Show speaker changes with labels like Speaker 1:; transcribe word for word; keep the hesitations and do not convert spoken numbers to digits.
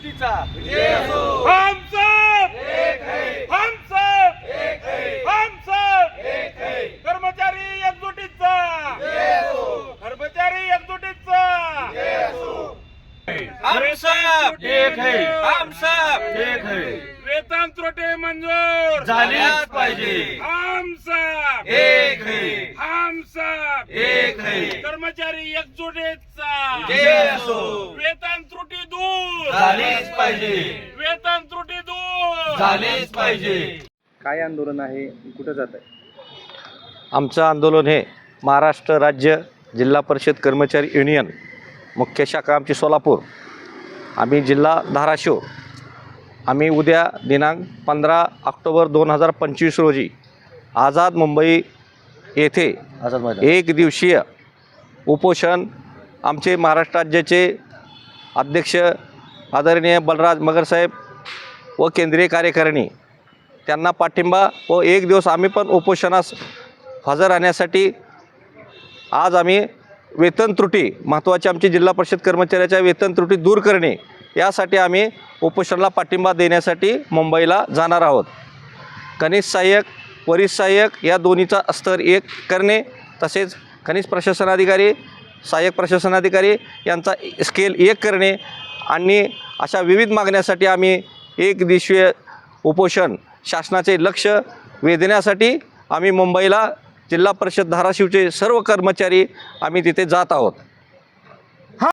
Speaker 1: हम सब एक है, हम सब एक है, हम सब एक है. कर्मचारी एकजुटीचा, कर्मचारी एकजुटीचा.
Speaker 2: हम सब एक है, हम सब एक है.
Speaker 1: वेतन त्रुटी मंजूर
Speaker 2: झालीच पाहिजे.
Speaker 1: हम सब
Speaker 2: एक है,
Speaker 1: हम सब
Speaker 2: एक है.
Speaker 1: कर्मचारी एकजुटीचा.
Speaker 2: जय असो.
Speaker 1: वेतन त्रुटी दूर
Speaker 2: झालीच पाहिजे.
Speaker 1: वेतन त्रुटी दूर
Speaker 2: झालीच पाहिजे.
Speaker 3: काय आंदोलन आहे, कुठं जात आहे?
Speaker 4: आमचं आंदोलन हे महाराष्ट्र राज्य जिल्हा परिषद कर्मचारी युनियन मुख्य शाखा आमची सोलापूर, आम्ही जिल्हा धाराशिव. आम्ही उद्या दिनांक पंधरा ऑक्टोबर दोन हजार पंचवीस रोजी आझाद मुंबई येथे एक दिवसीय उपोषण आमचे महाराष्ट्र राज्याचे अध्यक्ष आदरणीय बलराज मगरसाहेब व केंद्रीय कार्यकारिणी त्यांना पाठिंबा व एक दिवस आम्ही पण उपोषणास हजर राहण्यासाठी आज आम्ही वेतन त्रुटी महत्त्वाची आमची जिल्हा परिषद कर्मचाऱ्याच्या वेतन त्रुटी दूर करणे यासाठी आम्ही उपोषणाला पाठिंबा देण्यासाठी मुंबईला जाणार आहोत. खनिज सहाय्यक, वरिष्ठ सहाय्यक या दोन्हीचा स्तर एक करणे, तसेच खनिज प्रशासनाधिकारी, सहाय्यक प्रशासनाधिकारी यांचा स्केल एक करणे आणि अशा विविध मागण्यासाठी आम्ही एक दिवसीय उपोषण शासनाचे लक्ष वेधण्यासाठी आम्ही मुंबईला जिल्हा परिषद धाराशिवचे सर्व कर्मचारी आम्ही तिथे जात आहोत.